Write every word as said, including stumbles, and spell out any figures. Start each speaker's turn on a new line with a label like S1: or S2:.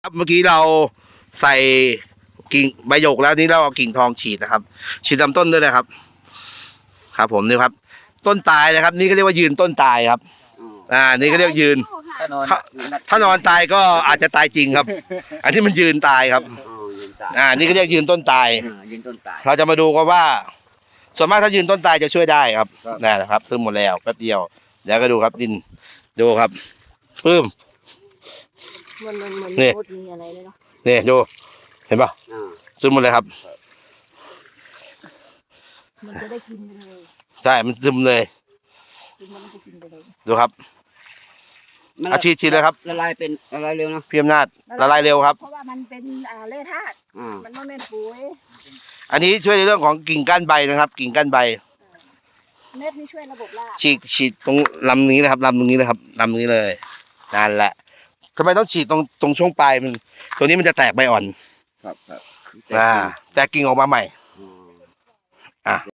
S1: ครับเมื่อกี้เราใส่กิ่งใบหยกแล้วนี่เราเอากิ่งทองฉีดนะครับฉีดลำต้นด้วยนะครับครับผมนี่ครับต้นตายนะครับนี่ก็เรียกว่ายืนต้นตายครับอ่านี่ก็เรียกยืน
S2: ถ้านอน
S1: ถ้าถ้านอนตายก็อาจจะตายจริงครับ อันนี้มันยืนตายครับ
S2: อ๋อยืนตาย
S1: อ่านี่ก็เรียกยืนต้นตาย
S2: อ่ายืนต้นตาย
S1: เราจะมาดูกันว่า ส่วนมากถ้ายืนต้นตายจะช่วยได้ครับ
S2: ครับ
S1: นั่นแหละครับซึมหมดแล้วแป๊บเดียวเดี๋ยวก็ดูครับดินดูครับปื้ม
S3: มันมันเหมือน
S1: นี่
S3: โคตรมีอะไรเลยเนาะ
S1: นี่ดูเห็นปะ
S2: อ่า
S1: ซึมหมดเลยครับ
S3: มันจะได้กินไปเลย
S1: ใช่มันซึมเลย
S3: ซึ่งมันจะกินไปเลย
S1: ดูครับ
S2: มัน
S1: อาชีพฉีดเลยครับ
S2: ละลายเป็นละลายเร็วเนาะ
S1: พี่อำนาจละลายเร็วครับ
S3: เพราะว่ามันเป็นอ่าแร่ธาตุ
S2: อ่า
S3: มันไม่เป็นปุ๋ย
S1: อันนี้ช่วยในเรื่องของกิ่งก้านใบนะครับ กิ่งก้านใบ
S3: เม็ดนี่ช่วยระบบราก
S1: ฉีดฉีดตรงลำนี้นะครับลำตรงนี้นะครับลำนี้เลยนั่นแหละทำไมต้องฉีดตรงตรงช่วงปลายมันตัวนี้มันจะแตกใบอ่อน
S2: ครับครับ
S1: อ่าแตกกิ่งออกมาใหม่
S2: อืม
S1: อ่ะ